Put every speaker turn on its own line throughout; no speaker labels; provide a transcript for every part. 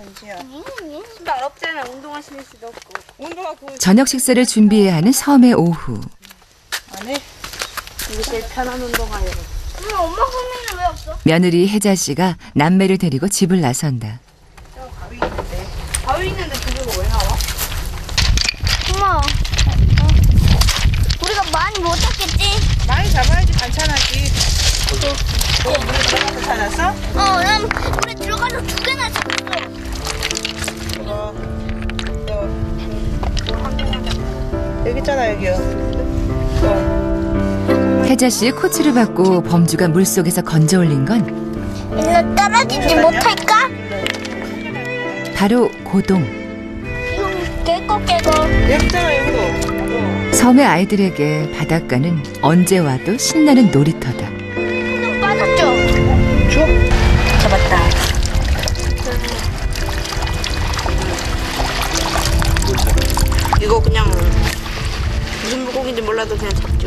신발 없잖아. 운동화 신을 수도 없고. 운동화 그
저녁 식사를 준비해야 하는 섬의 오후.
안에 이게 제일 편한 운동화예요.
엄마 손에는 왜 없어?
며느리 혜자 씨가 남매를 데리고 집을 나선다.
바위 있는데. 바위 있는데 그게 왜 나와?
엄마, 우리가 많이 못 잡겠지?
많이 잡아야지 반찬하지. 물에 들어가서 찾았어?
난 물에 들어가서 2개나 잡았어.
여기 있잖아 여기요.
혜자 씨의 코치를 받고 범주가 물속에서 건져 올린 건
일로 떨어지지 못할까?
바로 고동.
깨고.
여기 있잖아 여기도.
섬의 아이들에게 바닷가는 언제 와도 신나는 놀이터다.
좀 빠졌죠?
줘. 잡았다. 이거 그냥 무슨 물고기인지 몰라도 그냥 잡죠.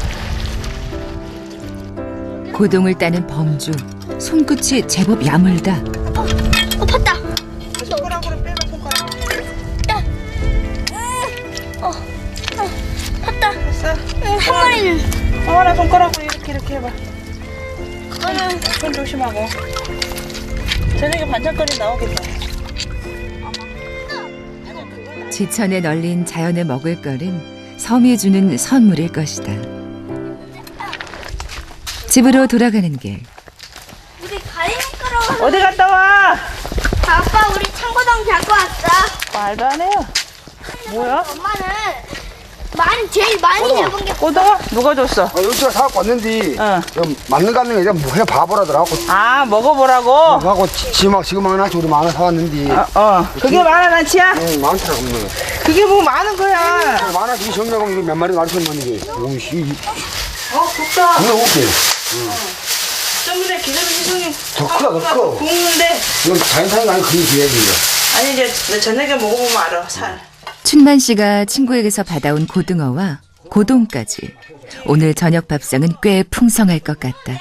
고동을 따는 범주. 손끝이 제법 야물다.
봤다.
손가락으로 빼봐 손가락.
봤다.
됐어?
한 마리는.
하나 손가락으로 이렇게 해봐.
그거는
손 조심하고. 저녁에 반찬거리 나오겠다.
지천에 널린 자연의 먹을거린 섬이 주는 선물일 것이다. 집으로 돌아가는 길.
우리 가리니까로.
어디 갔다 와?
아빠 우리 청고동 잡고 왔어.
말도 안 해요. 뭐야?
엄마는 제일 많이 잡은 게
꼬동아? 누가 줬어?
여기가 사갖고 왔는데 맞는 거 같는 게 그냥 해 바보라더라고.
아 먹어보라고?
하고 지금 하나씩 우리 만원 사왔는데
그게 만원어치야?
많더라 없는
그게 뭐 많은 거야.
만원씩 이 정도면 이거 몇 마리 가르쳤는 게 오씨
좋다.
이거 올게
좀 전에 기름 희송이
더 크다 더 커.
굽는데
이건 자연산이 아니고 그게 돼야지 이거.
아니 이제 내 저녁에 먹어보면 알아 살.
춘만 씨가 친구에게서 받아온 고등어와 고동까지. 오늘 저녁 밥상은 꽤 풍성할 것 같다.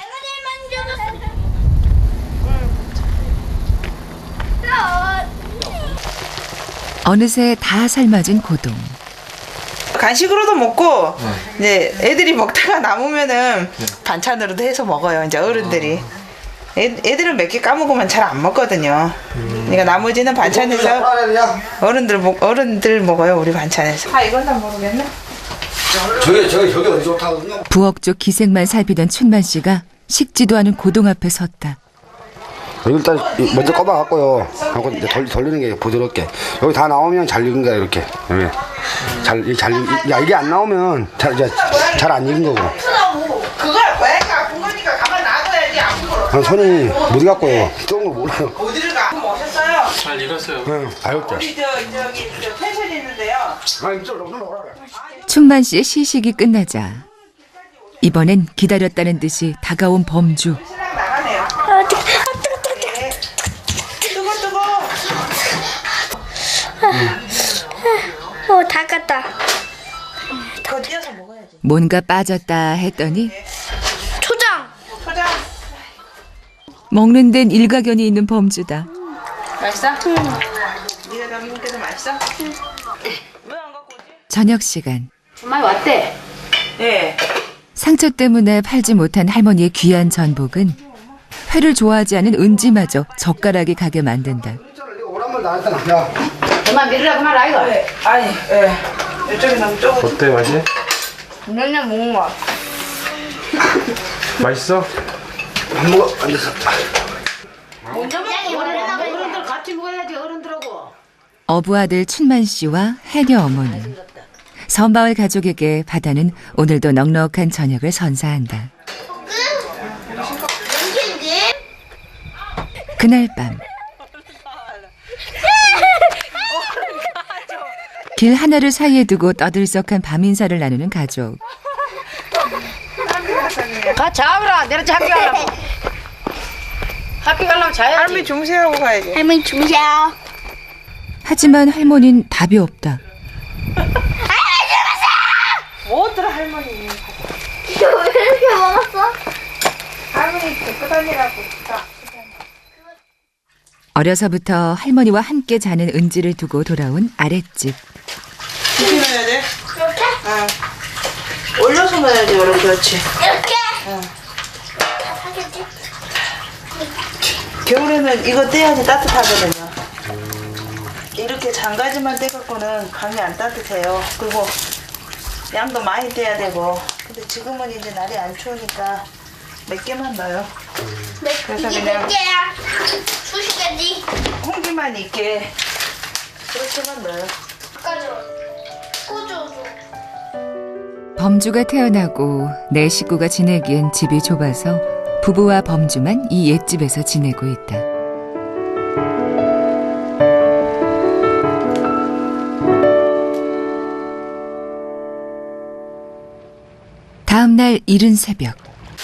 어느새 다 삶아진 고동.
간식으로도 먹고 이제 애들이 먹다가 남으면은 반찬으로도 해서 먹어요. 이제 어른들이. 애들은 몇 개 까먹으면 잘 안 먹거든요. 그러니까 나머지는 반찬에서 어른들 먹어요. 우리 반찬에서. 아 이건 다 모르겠네.
저기 어디 좋다거든요.
부엌 쪽 기색만 살피던 춘만 씨가 식지도 않은 고동 앞에 섰다.
여기 일단 먼저 꺼봐갖고요. 하고 이제 돌리는 게 부드럽게. 여기 다 나오면 잘 익은 거야 이렇게. 이게 안 나오면 잘 안 익은 거고.
그걸 고양이가 아픈 거니까 가만 놔둬야지 아픈 걸.
손이 무디 갖고요. 뜨거운 걸 몰라요.
어디를 가? 오셨어요?
잘 익었어요.
응, 알겠다.
우리 저기 펜션이 있는데요.
이쪽으로 오라.
춘만 씨의 시식이 끝나자 이번엔 기다렸다는 듯이 다가온 범주.
신랑 나가네요. 뜨거.
다 깠다.
그거 띄어서 먹어야지.
뭔가 빠졌다 했더니
초장.
초장.
먹는 데는 일가견이 있는 범주다.
맛있어? 응. 네가 담는 게도 맛있어? 응. 왜 안 갖고 오지?
저녁 시간.
엄마 왔대.
예.
상처 때문에 팔지 못한 할머니의 귀한 전복은 회를 좋아하지 않은 은지마저 젓가락이 가게 만든다.
오란말 나왔다. 야.
엄마 밀으라고 말 아이가.
네. 아니, 예. 이쪽에 너무 좁아.
어때 맛이?
그냥 먹는 거.
맛있어?
밥 먹어. 앉아서.
어른들 같이 먹어야지 어른들하고.
어부아들 춘만 씨와 해녀 어머니. 섬마을 가족에게 바다는 오늘도 넉넉한 저녁을 선사한다. 그날 밤 길 하나를 사이에 두고 떠들썩한 밤 인사를 나누는 가족.
가 자오라. 내가 학교 가려고. 학교 가려면 자야지.
할머니 주무세요 하고 가야지.
할머니 주무세요.
하지만 할머니는 답이 없다.
뭐더라 할머니.
너 왜 이렇게 먹었어?
할머니 데리고 다니라고.
어려서부터 할머니와 함께 자는 은지를 두고 돌아온 아랫집.
이렇게 넣어야 돼?
이렇게?
응. 올려서 넣어야지, 그렇지.
이렇게?
응.
하겠지?
겨울에는 이거 떼야지 따뜻하거든요. 이렇게 장가지만 떼갖고는 감이 안 따뜻해요. 그리고 양도 많이 떼야 되고. 근데 지금은 이제 날이 안 추우니까 몇 개만 넣어요. 그래서
이게
그냥
몇 개야? 수십 개지?
홍기만 있게 그렇게만 넣어요.
가져. 꽂아줘.
범주가 태어나고 내 식구가 지내기엔 집이 좁아서 부부와 범주만 이 옛집에서 지내고 있다. 다음 날 이른 새벽.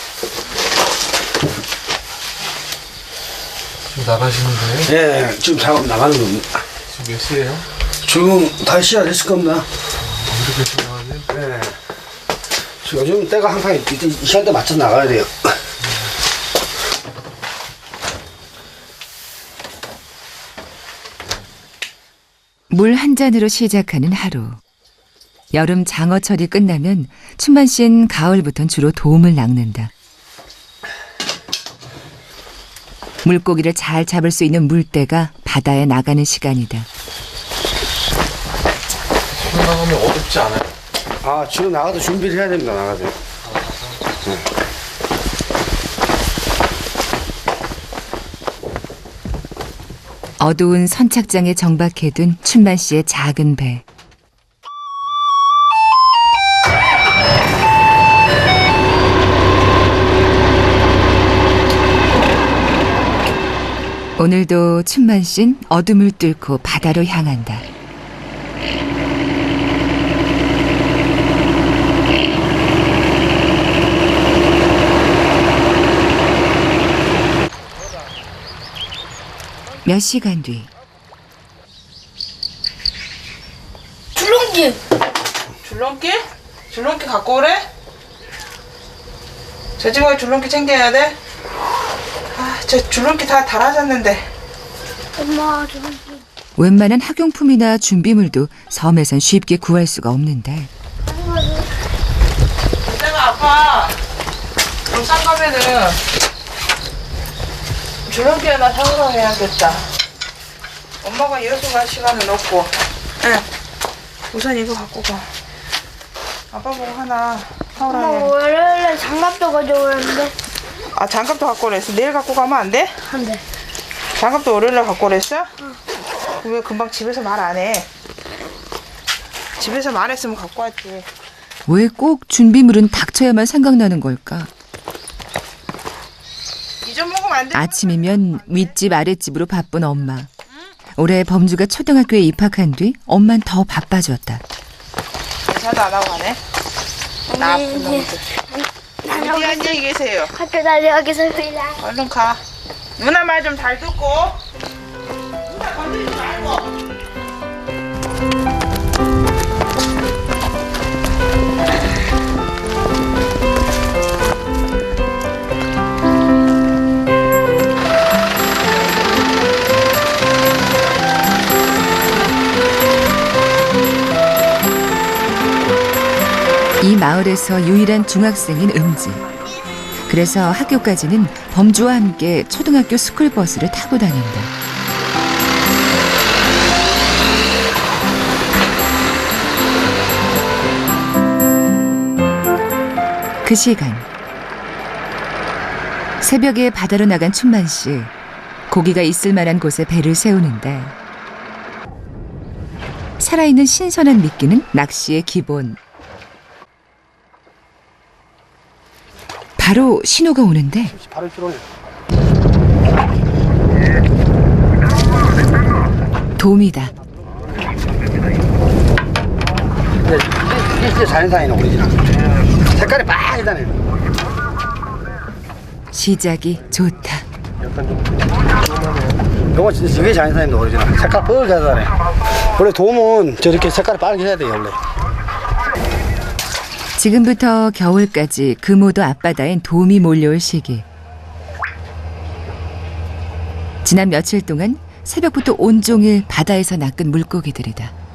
지금 나가시는 거예요?
예, 지금 작업 나가는 겁니다.
지금 몇 시에요?
지금 다시 시간 됐을 겁니다.
이렇게 지금 나가세요?
네. 지금 요즘 때가 항상 이 시간대 맞춰 나가야 돼요.
물 한 잔으로 시작하는 하루. 여름 장어철이 끝나면 춘만 씨는 가을부턴 주로 도움을 낚는다. 물고기를 잘 잡을 수 있는 물때가 바다에 나가는 시간이다.
지금 나가면 어둡지 않아요?
아, 지금 나가도 준비를 해야 됩니다, 나가도.
어두운 선착장에 정박해둔 춘만 씨의 작은 배. 오늘도 춘만 씨는 어둠을 뚫고 바다로 향한다. 몇 시간 뒤.
줄넘기.
줄넘기? 줄넘기 갖고 오래? 저 집에 줄넘기 챙겨야 돼? 아, 저 줄넘기 다 달아졌는데.
엄마 줄넘기.
웬만한 학용품이나 준비물도 섬에선 쉽게 구할 수가 없는데
내가 아빠 울산 가면은 줄넘기 하나 사오라 해야겠다. 엄마가 이어서 갈 시간은 없고. 응. 우선 이거 갖고 가. 아빠 보고 하나 사오라
엄마
해.
월요일에 장갑도 가져오는데
아, 장갑도 갖고 오랬어. 내일 갖고 가면 안 돼?
안 돼.
장갑도 월요일에 갖고 오랬어? 응. 왜 금방 집에서 말 안 해? 집에서 말했으면 갖고 왔지.
왜 꼭 준비물은 닥쳐야만 생각나는 걸까?
잊어먹으면 안 돼.
아침이면 윗집 아랫집으로 바쁜 엄마. 올해 범주가 초등학교에 입학한 뒤 엄만 더 바빠졌다.
인사도 안 하고 가네. 나쁜
언니
놈들. 어디 안녕히 계세요.
학교 다녀오겠습니다.
얼른 가. 누나 말 좀 잘 듣고. 누나 건드리지 말고.
이 마을에서 유일한 중학생인 은지. 그래서 학교까지는 범주와 함께 초등학교 스쿨버스를 타고 다닌다. 그 시간 새벽에 바다로 나간 춘만 씨. 고기가 있을 만한 곳에 배를 세우는데 살아있는 신선한 미끼는 낚시의 기본. 바로 신호가 오는데
바로 들어오네.
돔이다.
이게 진짜 자연산이네, 오리지널. 색깔이 빨개다네.
시작이 좋다.
이거 진짜 이게 자연산입니다, 오리지널. 색깔 뻘개다네. 원래 돔은 저렇게 색깔이 빨개야 돼요, 원래.
지금부터 겨울까지 금오도 앞바다엔 돔이 몰려올 시기. 지난 며칠 동안 새벽부터 온종일 바다에서 낚은 물고기들이다.